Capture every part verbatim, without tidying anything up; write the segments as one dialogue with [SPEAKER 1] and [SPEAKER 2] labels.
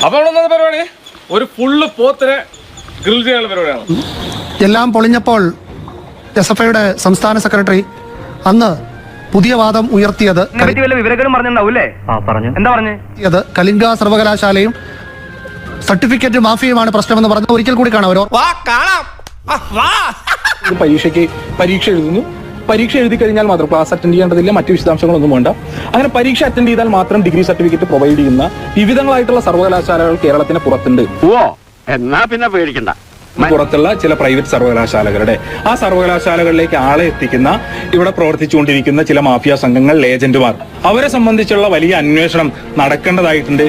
[SPEAKER 1] അപ്പൊ അവിടെ പരിപാടി ഒരു ഫുള്ള് പോത്തിനെ ഗ്രിൽ ചെയ്യാനുള്ള പരിപാടിയാണ്.
[SPEAKER 2] എല്ലാം പൊളിഞ്ഞപ്പോൾ എസ് എഫ് ഐയുടെ സംസ്ഥാന സെക്രട്ടറി അന്ന് പുതിയ വാദം ഉയർത്തിയത് എന്താ കലിംഗ സർവകലാശാലയും സർട്ടിഫിക്കറ്റ് മാഫിയുമാണ് പ്രശ്നമെന്ന് പറഞ്ഞു. ഒരിക്കൽ കൂടി കാണാം.
[SPEAKER 3] പരീക്ഷയ്ക്ക് പരീക്ഷ എഴുതുന്നു, പരീക്ഷ എഴുതി കഴിഞ്ഞാൽ മാത്രം ക്ലാസ് അറ്റൻഡ് ചെയ്യേണ്ടതില്ല, മറ്റു വിശദാംശങ്ങളൊന്നും വേണ്ട. അങ്ങനെ പരീക്ഷ അറ്റൻഡ് ചെയ്താൽ മാത്രം ഡിഗ്രി സർട്ടിഫിക്കറ്റ് പ്രൊവൈഡ് ചെയ്യുന്ന വിവിധങ്ങളായിട്ടുള്ള സർവകലാശാലകൾ കേരളത്തിന് പുറത്തുണ്ട്.
[SPEAKER 4] ഓ എന്നാ പിന്നെ പേടിക്കണ്ട.
[SPEAKER 3] പുറത്തുള്ള ചില പ്രൈവറ്റ് സർവകലാശാലകളുടെ ആ സർവകലാശാലകളിലേക്ക് ആളെ എത്തിക്കുന്ന ഇവിടെ പ്രവർത്തിച്ചുകൊണ്ടിരിക്കുന്ന ചില മാഫിയ സംഘങ്ങൾ, ഏജന്റുമാർ, അവരെ സംബന്ധിച്ചുള്ള വലിയ അന്വേഷണം നടക്കേണ്ടതായിട്ടുണ്ട്.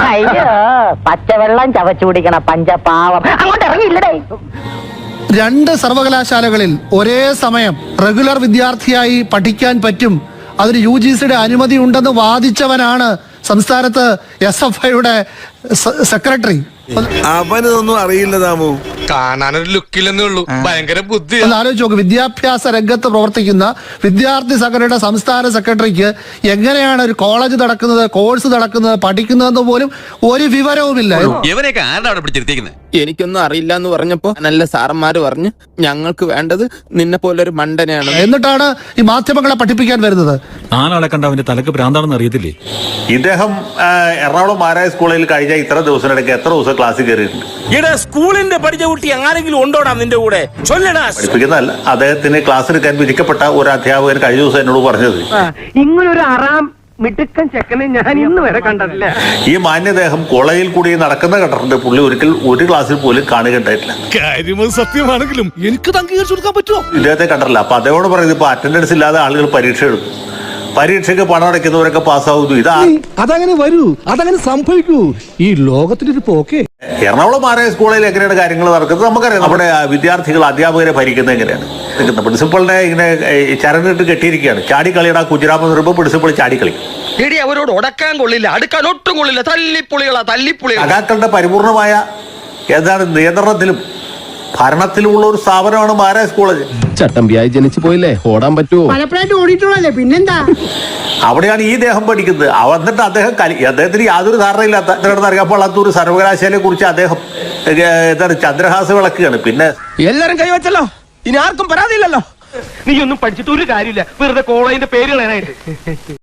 [SPEAKER 5] പച്ചവെള്ളം ചവച്ചു കുടിക്കണ പഞ്ചപാവം അങ്ങോട്ട് ഇറങ്ങിയില്ലടേ.
[SPEAKER 2] രണ്ട് സർവകലാശാലകളിൽ ഒരേ സമയം റെഗുലർ വിദ്യാർത്ഥിയായി പഠിക്കാൻ പറ്റും, അതിന് യു ജി സിയുടെ അനുമതി ഉണ്ടെന്ന് വാദിച്ചവനാണ് സംസ്ഥാനത്ത് എസ് എഫ് ഐയുടെ സെക്രട്ടറി.
[SPEAKER 6] അവനൊന്നും അറിയില്ല താമോ,
[SPEAKER 7] കാണാനൊരു ലുക്കില്ലെന്നേ ഉള്ളൂ, ഭയങ്കര ബുദ്ധി.
[SPEAKER 2] ഒന്ന് ആലോചിച്ച് നോക്ക്, വിദ്യാഭ്യാസ രംഗത്ത് പ്രവർത്തിക്കുന്ന വിദ്യാർത്ഥി സംഘടനയുടെ സംസ്ഥാന സെക്രട്ടറിക്ക് എങ്ങനെയാണ് ഒരു കോളേജ് നടക്കുന്നത്, കോഴ്സ് നടക്കുന്നത്, പഠിക്കുന്നതെന്ന് പോലും ഒരു വിവരവുമില്ല.
[SPEAKER 7] ഇവനെയൊക്കെ ആരുടെ അവിടെ പിടിച്ചിരുത്തിക്കുന്നത്?
[SPEAKER 8] എനിക്കൊന്നും അറിയില്ല എന്ന് പറഞ്ഞപ്പോ നല്ല സാറന്മാര് പറഞ്ഞു ഞങ്ങൾക്ക് വേണ്ടത് നിന്നെ പോലൊരു മണ്ടനെയാണ്.
[SPEAKER 2] എന്നിട്ടാണ് ഈ മാധ്യമങ്ങളെ പഠിപ്പിക്കാൻ വരുന്നത്.
[SPEAKER 9] നാലാളെ കണ്ട അവന്റെ തലക്ക് ഭ്രാന്താണെന്ന് അറിയത്തില്ലേ?
[SPEAKER 10] ഇദ്ദേഹം എറണാകുളം മാരായ സ്കൂളിൽ കഴിഞ്ഞ ഇത്ര ദിവസത്തിനിടയ്ക്ക് എത്ര ദിവസം ക്ലാസ്സിൽ കയറിയിട്ടുണ്ട്?
[SPEAKER 4] ഇവിടെ സ്കൂളിന്റെ പഠിച്ച കുട്ടി ആരെങ്കിലും ഉണ്ടോടാ നിന്റെ കൂടെ?
[SPEAKER 10] പഠിപ്പിക്കുന്നതല്ല, അദ്ദേഹത്തിന് ക്ലാസ് എടുക്കാൻ വിധിക്കപ്പെട്ട ഒരു അധ്യാപകൻ കഴിഞ്ഞ ദിവസം എന്നോട് പറഞ്ഞത്
[SPEAKER 5] ഇങ്ങനൊരു അറാം മിടുക്കൻ ചെക്കനെ ഞാൻ ഇന്ന് വരെ കണ്ടിട്ടില്ല.
[SPEAKER 10] ഈ മാന്യദേഹം കോളേജിൽ കൂടി നടക്കുന്ന കണ്ടിട്ടുണ്ട്, പുള്ളി ഒരിക്കൽ ഒരു ക്ലാസ്സിൽ പോലും കാണുകയുണ്ടായിട്ടില്ല.
[SPEAKER 7] കാര്യം സത്യമാണെങ്കിലും എനിക്ക് അംഗീകരിച്ചു കൊടുക്കാൻ പറ്റുമോ?
[SPEAKER 10] ഇദ്ദേഹത്തെ കണ്ടിട്ടില്ല. അപ്പൊ അദ്ദേഹത്തോട് പറയുന്നത് ഇപ്പൊ അറ്റൻഡൻസ് ഇല്ലാതെ ആളുകൾ പരീക്ഷ എഴുതും, പരീക്ഷയ്ക്ക് പണം അടയ്ക്കുന്നവരൊക്കെ പാസ്സാവുന്നു. ഇതാ
[SPEAKER 6] അതങ്ങനെ വരൂ, അതങ്ങനെ സംഭവിക്കൂ. ഈ ലോകത്തിന്റെ ഒരു പോക്കേ.
[SPEAKER 10] എറണാകുളം മാരായ സ്കൂളിൽ എങ്ങനെയാണ് കാര്യങ്ങൾ നടക്കുന്നത് നമുക്കറിയാം. നമ്മുടെ വിദ്യാർത്ഥികൾ അധ്യാപകരെ ഭരിക്കുന്നത് എങ്ങനെയാണ്? പ്രിൻസിപ്പളിനെ ഇങ്ങനെ ചരണിട്ട് കെട്ടിയിരിക്കുകയാണ്, ചാടിക്കളിയുടെ കുജരാമെന്ന് പറയുമ്പോൾ പ്രിൻസിപ്പൾ ചാടിക്കളി.
[SPEAKER 4] അവരോട് ഉടക്കാൻ കൊള്ളില്ല, അടുക്കാൻ ഒട്ടും കൊള്ളില്ല, തല്ലിപ്പൊളികളാ തല്ലിപ്പൊളികൾ.
[SPEAKER 10] സഖാക്കളുടെ പരിപൂർണമായ എന്താണ് നിയന്ത്രണത്തിലും ഭരണത്തിലുമുള്ള ഒരു സ്ഥാപനമാണ് മാരായ കോളേജ്.
[SPEAKER 8] ചട്ടമ്പിയായി ജനിച്ചു പോയില്ലേ, ഓടാൻ പറ്റുമോ?
[SPEAKER 5] പലപ്പോഴായിട്ട് ഓടിയിട്ടുള്ളല്ലേ, പിന്നെന്താ?
[SPEAKER 10] അവിടെയാണ് ഈ ദേഹം പഠിക്കുന്നത്. എന്നിട്ട് അദ്ദേഹം അദ്ദേഹത്തിന് യാതൊരു ധാരണയില്ലാത്ത അറിയാൻ പാടാത്ത ഒരു സർവകലാശാലയെ കുറിച്ച് അദ്ദേഹം എന്താണ് ചന്ദ്രഹാസ വിളക്കുകയാണ്. പിന്നെ
[SPEAKER 4] എല്ലാരും കൈവച്ചല്ലോ, ഇനി ആർക്കും പരാതിയില്ലല്ലോ.
[SPEAKER 1] നീ ഒന്നും പഠിച്ചിട്ട് ഒരു കാര്യമില്ല, വെറുതെ കോളേജിന്റെ പേര് കളയാനായിട്ട്.